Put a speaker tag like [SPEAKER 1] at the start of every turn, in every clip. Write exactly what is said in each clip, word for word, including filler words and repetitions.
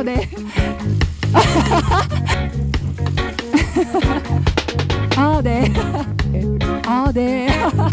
[SPEAKER 1] 네. 아, 네. 아, 네.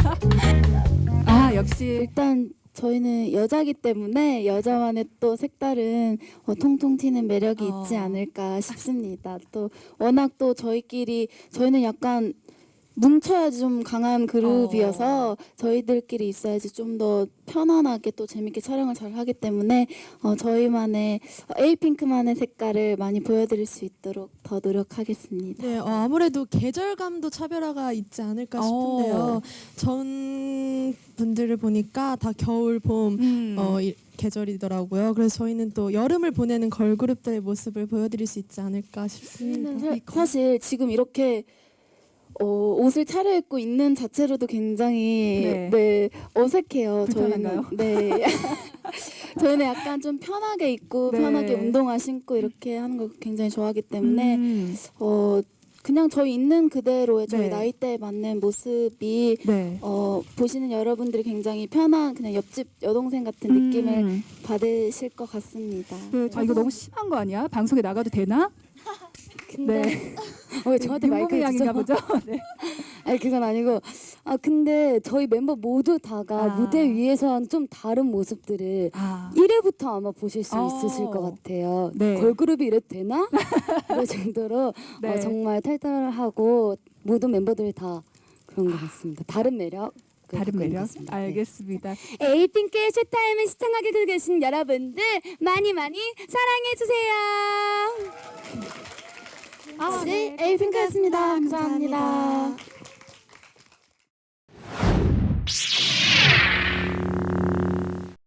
[SPEAKER 1] 아, 역시
[SPEAKER 2] 일단 저희는 여자기 때문에 여자만의 또 색다른 어, 통통 튀는 매력이
[SPEAKER 1] 어.
[SPEAKER 2] 있지 않을까 싶습니다. 또 워낙 또 저희끼리 저희는 약간 뭉쳐야 좀 강한 그룹이어서 저희들끼리 있어야지 좀 더 편안하게 또 재밌게 촬영을 잘 하기 때문에 어, 저희만의 어, 에이핑크만의 색깔을 많이 보여드릴 수 있도록 더 노력하겠습니다.
[SPEAKER 3] 네, 어, 아무래도 계절감도 차별화가 있지 않을까 싶은데요.
[SPEAKER 1] 어.
[SPEAKER 3] 전 분들을 보니까 다 겨울, 봄
[SPEAKER 1] 음.
[SPEAKER 3] 어, 이, 계절이더라고요. 그래서 저희는 또 여름을 보내는 걸그룹들의 모습을 보여드릴 수 있지 않을까 싶습니다.
[SPEAKER 2] 저희는 사, 사실 지금 이렇게 어, 옷을 차려입고 있는 자체로도 굉장히
[SPEAKER 1] 네.
[SPEAKER 2] 네, 어색해요.
[SPEAKER 1] 불편한가요?
[SPEAKER 2] 저희는 네. 저희는 약간 좀 편하게 입고
[SPEAKER 1] 네.
[SPEAKER 2] 편하게 운동화 신고 이렇게 하는 걸 굉장히 좋아하기 때문에
[SPEAKER 1] 음.
[SPEAKER 2] 어, 그냥 저희 있는 그대로의 저희
[SPEAKER 1] 네.
[SPEAKER 2] 나이대에 맞는 모습이
[SPEAKER 1] 네.
[SPEAKER 2] 어, 보시는 여러분들이 굉장히 편한 그냥 옆집 여동생 같은 느낌을
[SPEAKER 1] 음.
[SPEAKER 2] 받으실 것 같습니다.
[SPEAKER 1] 그, 아, 이거 너무 심한 거 아니야? 방송에 나가도 되나?
[SPEAKER 2] 근데
[SPEAKER 1] 네.
[SPEAKER 2] 어, 왜 저한테
[SPEAKER 1] 윤범이
[SPEAKER 2] 마이크를
[SPEAKER 1] 양인가
[SPEAKER 2] 주죠?
[SPEAKER 1] 보죠? 네.
[SPEAKER 2] 아니 그건 아니고 아 근데 저희 멤버 모두 다가
[SPEAKER 1] 아.
[SPEAKER 2] 무대 위에서는 좀 다른 모습들을
[SPEAKER 1] 아.
[SPEAKER 2] 일 회부터 아마 보실 수
[SPEAKER 1] 어.
[SPEAKER 2] 있으실 것 같아요.
[SPEAKER 1] 네.
[SPEAKER 2] 걸그룹이 이래도 되나? 이럴 정도로
[SPEAKER 1] 네.
[SPEAKER 2] 어, 정말 탈탈하고 모든 멤버들이 다 그런 것 같습니다. 다른 매력.
[SPEAKER 1] 다른 매력?
[SPEAKER 2] 네.
[SPEAKER 1] 알겠습니다.
[SPEAKER 2] 에이핑크의 쇼타임을 시청하게 계신 여러분들 많이 많이 사랑해 주세요.
[SPEAKER 1] 아,
[SPEAKER 2] 네, 에이핑크였습니다. 감사합니다.